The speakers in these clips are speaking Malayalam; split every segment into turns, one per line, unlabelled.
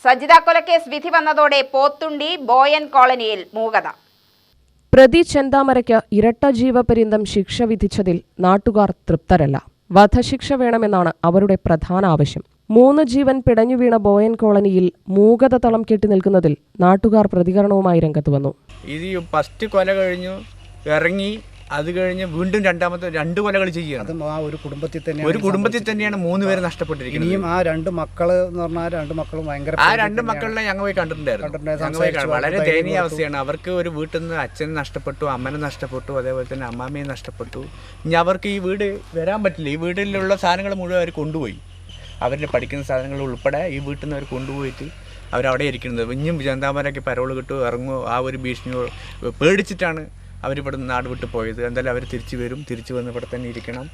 സജിത കൊലക്കേസ് വിധി വന്നതോടെ പോത്തുണ്ടി ബോയൻ കോളനിയിൽ മൂകത.
പ്രതി ചെന്താമരയ്ക്ക് ഇരട്ട ജീവപര്യന്തം ശിക്ഷ വിധിച്ചതിൽ നാട്ടുകാർ തൃപ്തരല്ല. വധശിക്ഷ വേണമെന്നാണ് അവരുടെ പ്രധാന ആവശ്യം. 3 ജീവൻ പിടഞ്ഞുവീണ ബോയൻ കോളനിയിൽ മൂകത തളം കെട്ടി നിൽക്കുന്നതിൽ നാട്ടുകാർ പ്രതികരണവുമായി രംഗത്ത് വന്നു.
ഇത് ഫസ്റ്റ് കൊല കഴിഞ്ഞു ഇറങ്ങി, അത് കഴിഞ്ഞ് വീണ്ടും രണ്ടാമത്തെ 2 കൊലകൾ ചെയ്യുകയാണ്. ഒരു കുടുംബത്തിൽ തന്നെയാണ് 3 പേര് നഷ്ടപ്പെട്ടിരിക്കുന്നത്.
ഇനിയും ആ 2 മക്കള് എന്ന് പറഞ്ഞാൽ 2 മക്കളും ഭയങ്കര
ആ 2 മക്കളിനെ ഞങ്ങൾ പോയി കണ്ടിട്ടുണ്ടായിരുന്നു. വളരെ ദയനീയ അവസ്ഥയാണ്. അവർക്ക് ഒരു വീട്ടിൽ നിന്ന് അച്ഛനെ നഷ്ടപ്പെട്ടു, അമ്മനെ നഷ്ടപ്പെട്ടു, അതേപോലെ തന്നെ അമ്മാമ്മയെ നഷ്ടപ്പെട്ടു. ഇനി അവർക്ക് ഈ വീട് വരാൻ പറ്റില്ല. ഈ വീട്ടിലുള്ള സാധനങ്ങൾ മുഴുവൻ അവർ കൊണ്ടുപോയി. അവരുടെ പഠിക്കുന്ന സാധനങ്ങൾ ഉൾപ്പെടെ ഈ വീട്ടിൽ നിന്ന് അവർ കൊണ്ടുപോയിട്ട് അവരവിടെ ഇരിക്കുന്നത്. ഇനിയും ചെന്താമരയ്ക്ക് പരോള് കിട്ടുമോ ഇറങ്ങുമോ ആ ഒരു ഭീഷണിയോ പേടിച്ചിട്ടാണ് അവരിവിടെ നിന്ന് നാട് വിട്ട് പോയത്. എന്തായാലും അവർ തിരിച്ചു വരും. തിരിച്ചു വന്ന് ഇവിടെ തന്നെ ഇരിക്കണം.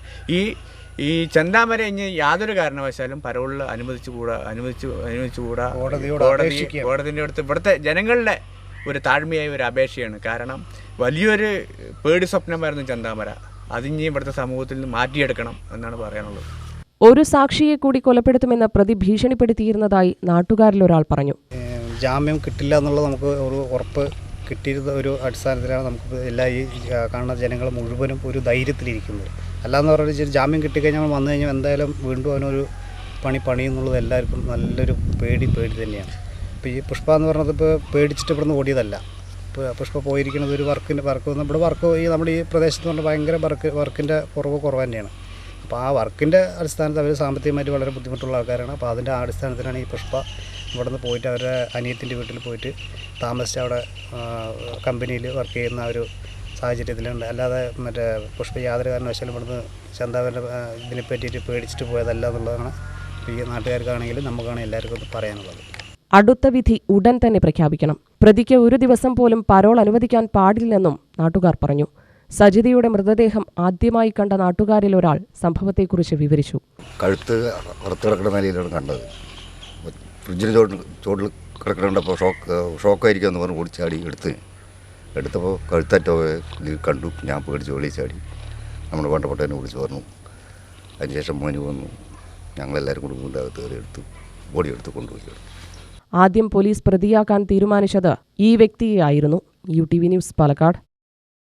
ഈ ചെന്താമര ഇനി യാതൊരു കാരണവശാലും പരോളിൽ അനുവദിച്ചുകൂടാ. കോടതിൻ്റെ അടുത്ത് ഇവിടുത്തെ ജനങ്ങളുടെ ഒരു താഴ്മയായ ഒരു അപേക്ഷയാണ്. കാരണം വലിയൊരു പേടി സ്വപ്നമായിരുന്നു ചെന്താമര. അതിനി ഇവിടുത്തെ സമൂഹത്തിൽ നിന്ന് മാറ്റിയെടുക്കണം എന്നാണ് പറയാനുള്ളത്.
ഒരു സാക്ഷിയെ കൂടി കൊലപ്പെടുത്തുമെന്ന് പ്രതി ഭീഷണിപ്പെടുത്തിയിരുന്നതായി നാട്ടുകാരിൽ ഒരാൾ പറഞ്ഞു.
ജാമ്യം കിട്ടില്ല എന്നുള്ളത് നമുക്ക് ഒരു ഉറപ്പ് കിട്ടിയിരുന്ന ഒരു അടിസ്ഥാനത്തിലാണ് നമുക്ക് എല്ലാ ഈ കാണുന്ന ജനങ്ങൾ മുഴുവനും ഒരു ധൈര്യത്തിലിരിക്കുന്നത്. അല്ലാന്ന് പറഞ്ഞാൽ ജാമ്യം കിട്ടിക്കഴിഞ്ഞാൽ വന്നു കഴിഞ്ഞാൽ എന്തായാലും വീണ്ടും അവനൊരു പണിയെന്നുള്ളത് എല്ലാവർക്കും നല്ലൊരു പേടി തന്നെയാണ്. ഇപ്പോൾ ഈ പുഷ്പ എന്ന് പറഞ്ഞത് ഇപ്പോൾ പേടിച്ചിട്ട് ഇവിടുന്ന് ഓടിയതല്ല. ഇപ്പോൾ പുഷ്പ പോയിരിക്കുന്നത് ഒരു വർക്ക് ഇവിടെ നമ്മുടെ ഈ പ്രദേശത്ത് പറഞ്ഞാൽ ഭയങ്കര വർക്കിൻ്റെ കുറവ് തന്നെയാണ്. അപ്പോൾ ആ വർക്കിൻ്റെ അടിസ്ഥാനത്തിൽ അവർ സാമ്പത്തികമായിട്ട് വളരെ ബുദ്ധിമുട്ടുള്ള ആൾക്കാരാണ്. അപ്പോൾ അതിൻ്റെ അടിസ്ഥാനത്തിലാണ് ഈ പുഷ്പ ഇവിടെ നിന്ന് പോയിട്ട് അവരുടെ അനിയത്തിൻ്റെ വീട്ടിൽ പോയിട്ട് താമസിച്ച് അവിടെ കമ്പനിയിൽ വർക്ക് ചെയ്യുന്ന ഒരു സാഹചര്യത്തിലുണ്ട്. അല്ലാതെ പുഷ്പ യാതൊരു കാരണവശാലും ഇവിടുന്ന് ചെന്താമരൻ്റെ ഇതിനെ പറ്റിയിട്ട് പേടിച്ചിട്ട് പോയതല്ല എന്നുള്ളതാണ് ഈ നാട്ടുകാർക്കാണെങ്കിലും നമുക്കാണെങ്കിൽ എല്ലാവർക്കും പറയാനുള്ളത്.
അടുത്ത വിധി ഉടൻ തന്നെ പ്രഖ്യാപിക്കണം. പ്രതിക്ക് ഒരു ദിവസം പോലും പരോൾ അനുവദിക്കാൻ പാടില്ലെന്നും നാട്ടുകാർ പറഞ്ഞു. സജിതയുടെ മൃതദേഹം ആദ്യമായി കണ്ട നാട്ടുകാരിൽ ഒരാൾ സംഭവത്തെക്കുറിച്ച് വിവരിച്ചു.
കഴുത്ത് പുറത്ത് കിടക്കുന്ന നിലയിലാണ് കണ്ടത്. ഫ്രിഡ്ജിന് ചോട്ടിൽ കിടക്കണപ്പോൾ ഷോക്കായിരിക്കും എന്ന് പറഞ്ഞ് ഓടിച്ചാടി എടുത്തപ്പോൾ കഴുത്തറ്റ കണ്ടു. ഞാൻ പേടിച്ച് വെളിയിൽ ചാടി നമ്മുടെ വേണ്ടപ്പെട്ടതിനെ വിളിച്ച് പറഞ്ഞു. അതിനുശേഷം മോന് വന്നു. ഞങ്ങളെല്ലാവരും കൂടി വീണ്ടകത്ത് കയറി ബോഡിയെടുത്ത് കൊണ്ടുപോയി.
ആദ്യം പോലീസ് പ്രതിയാക്കാൻ തീരുമാനിച്ചത് ഈ വ്യക്തിയെയായിരുന്നു. UTV news, Palakkad.